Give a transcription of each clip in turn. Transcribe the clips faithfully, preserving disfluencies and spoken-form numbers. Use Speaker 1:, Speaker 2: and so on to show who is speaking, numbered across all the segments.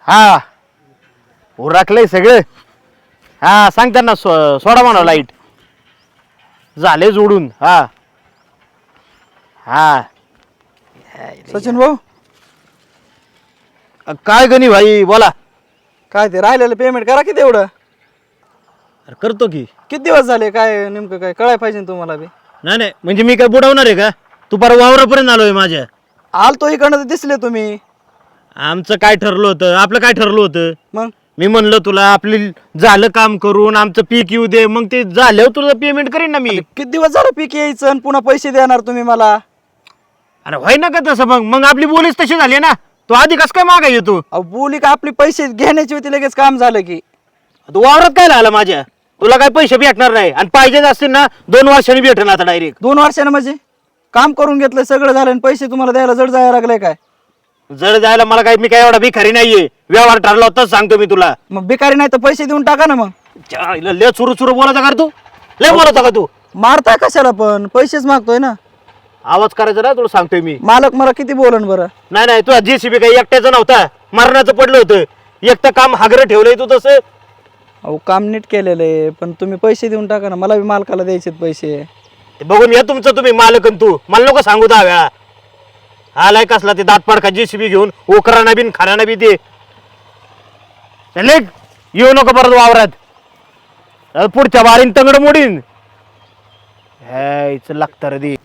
Speaker 1: हा उरकलंय सगळं. हा सांग त्यांना सो सोडा म्हणा लाईट झाले जोडून. हा हा
Speaker 2: सचिन भाऊ
Speaker 1: काय गणी भाई बोला.
Speaker 2: काय ते राहिलेलं पेमेंट करा किती एवढं.
Speaker 1: अरे करतो की.
Speaker 2: किती दिवस झाले काय नेमकं काय कळाय पाहिजे ना तुम्हाला बी.
Speaker 1: नाही नाही म्हणजे मी काय बुडवणार आहे का. तू पर वावरापर्यंत आलोय माझ्या.
Speaker 2: आलतो इकडनं तर दिसले तुम्ही.
Speaker 1: आमचं काय ठरलं होतं आपलं काय ठरलं होतं.
Speaker 2: मग
Speaker 1: मी म्हणलं तुला आपली झालं काम करून आमचं पीक येऊ दे मग ते झाल्यावर तुला पेमेंट करीन ना मी.
Speaker 2: किती दिवस झालं पीक यायचं आणि पुन्हा पैसे देणार तुम्ही मला.
Speaker 1: अरे व्हाय ना का तसं मग मग आपली बोलीच तशी झाली ना. तो आधी कसं काय मागा येतो.
Speaker 2: अहो बोली का आपली पैसे घेण्याची होती लगेच काम झालं की.
Speaker 1: तू वावरात काय झालं माझ्या. तुला काय पैसे भेटणार नाही आणि पाहिजेच असतील ना दोन वर्षांनी भेटेल आता डायरेक्ट.
Speaker 2: दोन वर्षानं म्हणजे काम करून घेतलं सगळं झालं आणि पैसे तुम्हाला द्यायला जड जायला लागले काय.
Speaker 1: जर जायला मला काय मी काय एवढा भिकारी नाहीये. व्यवहार ठरला होताच सांगतो मी तुला.
Speaker 2: मग बेकारी नाही तर पैसे देऊन टाका ना. मग
Speaker 1: च्या, इला लय चुरू चुरू बोलायचा का तू. लय बोलायचा का तू.
Speaker 2: मारताय कशाला पण पैसेच मागतोय ना.
Speaker 1: आवाज करायचा ना तुला सांगतोय मी.
Speaker 2: मालक मला किती बोलन बरं.
Speaker 1: नाही नाही तुझा जेसीबी काही एकट्याचं नव्हता. मरणाचं पडलं होतं. एकटं काम हागरं ठेवलंय तू तसं.
Speaker 2: अहो काम नीट केलेलं आहे पण तुम्ही पैसे देऊन टाका ना. मला बी मालकाला द्यायचे पैसे.
Speaker 1: ते बघून या तुमचं तुम्ही मालक आणि तू मला नको सांगू दहा वेळा. आलाय कसला ते दात पाडका जेसीबी घेऊन ओकराना बिन खाना बी दे. चले येऊ नको परत वावरात. अरे पुढच्या बारीन तंगड मोडीन. ह्याच लागतं रे दे.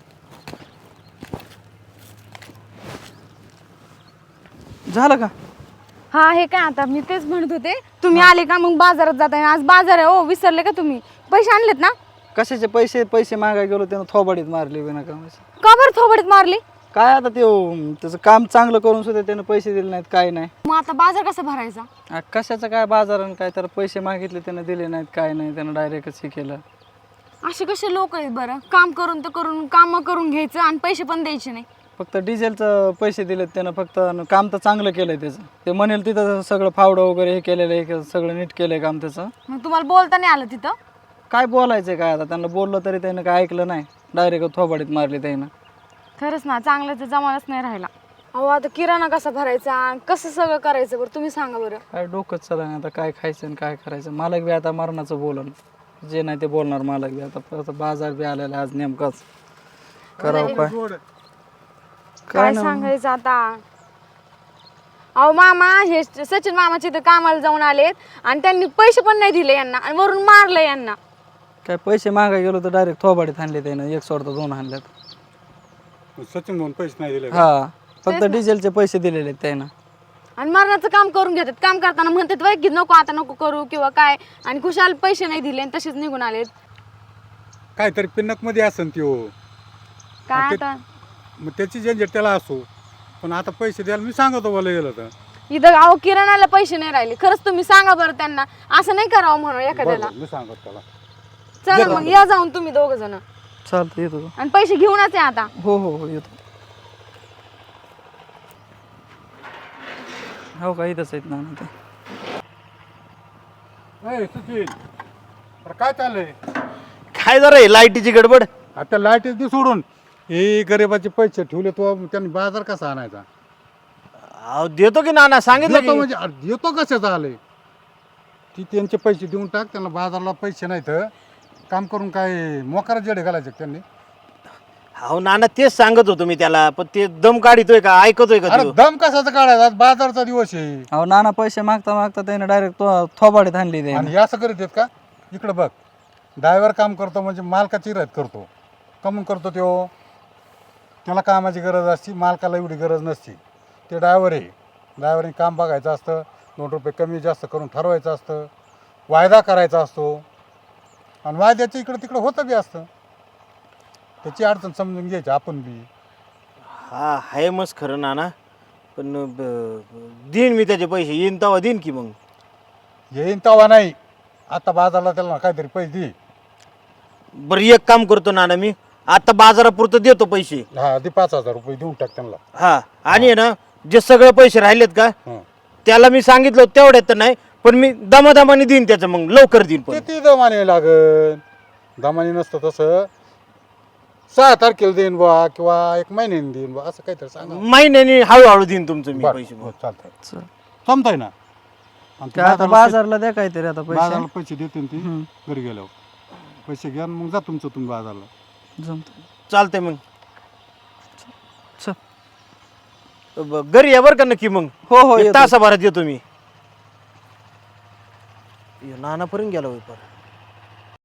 Speaker 2: झालं का.
Speaker 3: हा हे काय आता मी तेच म्हणत होते तुम्ही आले का मग बाजारात जाताय. आज बाजार आहे. ओ विसरले का तुम्ही. पैसे आणलेत ना.
Speaker 2: कशाचे पैसे पैसे मागाय गेलो त्यानं थोबाडीत मारली विना कामाची.
Speaker 3: का बरं थोबडीत मारली.
Speaker 2: काय आता ते अं, त्याचं काम चांगलं करून सुद्धा त्यानं पैसे दिले नाहीत काय नाही.
Speaker 3: मग आता बाजार कसा भरायचा.
Speaker 2: आ, कशाचं काय बाजारानं काय तर पैसे मागितले त्यानं दिले नाहीत काय नाही. त्यानं डायरेक्टच हे केलं.
Speaker 3: असे कसे लोक आहेत बरं. काम करून तर करून काम करून घ्यायचं आणि पैसे पण द्यायचे नाही.
Speaker 2: फक्त डिझेलचं पैसे दिलेत त्यानं. फक्त अन काम तर चांगलं केलंय त्याचं. ते म्हणेल तिथं सगळं फावडं वगैरे हे केलेलं आहे सगळं नीट केलंय काम त्याचं.
Speaker 3: मग तुम्हाला बोलता नाही आलं तिथं.
Speaker 2: काय बोलायचं काय आता त्यांना बोललं तरी त्यानं काय ऐकलं नाही. डायरेक्ट थोबाडीत मारली त्यानं.
Speaker 3: खरंच ना चांगल्याचा जमानाच नाही राहिला. अहो आता किराणा कसा भरायचा कसं सगळं करायचं बरं तुम्ही सांगा बरं.
Speaker 2: काय डोकंच चला नाही आता काय खायचं आणि काय करायचं. मालक बी आता मरणाचं बोलन जे नाही ते बोलणार मालक बी. आता परत बाजार बी आलेला आज नेमकाच करावं काय
Speaker 3: काय सांगायचं आता. अहो मामा हे सचिन मामाचे इथं कामाला जाऊन आलेत आणि त्यांनी पैसे पण नाही दिले यांना आणि वरून मारलं यांना.
Speaker 2: काय पैसे मागाय गेलो तर डायरेक्ट थोबाडीत आणले त्यानं. एक सोडता दोन आणल्यात.
Speaker 4: सचिन म्हणून पैसे नाही दिले.
Speaker 2: हा फक्त डिझेलचे पैसे दिलेले आहेत त्यानं.
Speaker 3: आणि मरणाचं काम करून घेतात. काम करताना म्हणतात वय की नको आता नको करू किंवा काय आणि खुशाल पैसे नाही दिले आणि तसेच निघून आलेत.
Speaker 4: काहीतरी पिन्नक मध्ये असन त्यो.
Speaker 3: काय
Speaker 4: ते-
Speaker 3: आता
Speaker 4: मग त्याची झंझट त्याला असो. पण आता पैसे द्यायला मी सांगतो बोला गेलं तर.
Speaker 3: इथं अहो किराणाला पैसे नाही राहिले. खरंच तुम्ही सांगा बरं त्यांना असं नाही करावं म्हणून एखाद्याला.
Speaker 4: बरं, मी सांगतो त्याला.
Speaker 3: चला मग या जाऊन तुम्ही दोघ जण
Speaker 2: चालतं येतो का?
Speaker 3: आणि पैसे घेऊनच या आता.
Speaker 2: हो हो हो येतो. हो का इथंच आहेत ना ते.
Speaker 4: ए, सचिन अरे काय चाललंय.
Speaker 1: काय जरा हे लाईटीची गडबड.
Speaker 4: आता लाईट ती सोडून हे गरिबाचे पैसे ठेवले तो त्यांनी बाजार कसा आणायचा.
Speaker 1: अहो देतो की नाना सांगितलं
Speaker 4: देतो
Speaker 1: की.
Speaker 4: म्हणजे अरे देतो कशाचा आले. ती त्यांचे पैसे देऊन टाक. त्यांना बाजारला पैसे नाहीत काम करून काय मोकार जेडे घालायचे का त्यांनी.
Speaker 1: अहो नाना तेच सांगत होतो मी त्याला पण ते दम काढितोय का ऐकतोय का
Speaker 4: अरे
Speaker 1: तो?
Speaker 4: दम कशाचा काढायचा आज बाजारचा दिवस आहे.
Speaker 2: अहो नाना पैसे मागता मागता त्यानं डायरेक्ट थोबाडीत आणली त्यानं.
Speaker 4: आणि हे असं करीत आहेत का. इकडं बघ ड्रायव्हर काम करतो म्हणजे मालकाची रद्द करतो. कमून करतो त्यो. त्याला कामाची गरज असते मालकाला एवढी गरज नसते. ते ड्रायव्हर आहे. ड्रायव्हरने काम बघायचं असतं. दोन रुपये कमी जास्त करून ठरवायचं असतं. वायदा करायचा असतो आणि वायद्याच्या इकडं तिकडं होतं बी असतं. त्याची अडचण समजून घ्यायची आपण बी.
Speaker 1: हा आहे मस्त खरं नाना पण ब- देईन मी त्याचे पैसे येईन तेव्हा देईन की मग.
Speaker 4: येईन तवा नाही आता बाजारला त्याला काहीतरी पैसे दे.
Speaker 1: बरं एक काम करतो नाना मी आता बाजारापुरतं देतो पैसे.
Speaker 4: हा दे पाच हजार रुपये देऊन टाक त्यांना.
Speaker 1: हा आणि आहे ना जे सगळे पैसे राहिलेत का
Speaker 4: हं.
Speaker 1: त्याला मी सांगितलं तेवढ्यात तर नाही पण मी दमादमाने देईन त्याचं मग लवकर देईन पण.
Speaker 4: किती दमाने लागल. दमाने नसतं तसं सहा तारखेला देईन बा किंवा एक महिन्याने देईन बा असं काहीतरी सांगा.
Speaker 1: महिन्याने हळूहळू देईन तुमचं मी
Speaker 4: बरं,
Speaker 1: पैसे.
Speaker 4: हो, चालतंय.
Speaker 2: चल.
Speaker 4: जमताय ना आणि ते
Speaker 2: काय आता
Speaker 4: बाजारला
Speaker 2: बाजारला द्या काहीतरी आता
Speaker 4: पैसे-
Speaker 2: पैसे
Speaker 4: बाजारला पैसे देते ती
Speaker 2: हम्म.
Speaker 4: घरी गेल्यावर पैसे घ्या आणि मग जा तुमचं तुम्ही बाजारला.
Speaker 2: जमत
Speaker 1: चालतंय मग
Speaker 2: चल.
Speaker 1: ब- घरी या बरं का नक्की मग.
Speaker 2: हो हो
Speaker 1: एक
Speaker 2: येतो.
Speaker 1: तासाभरात येतो मी. नानापर्यंत गेला होय पर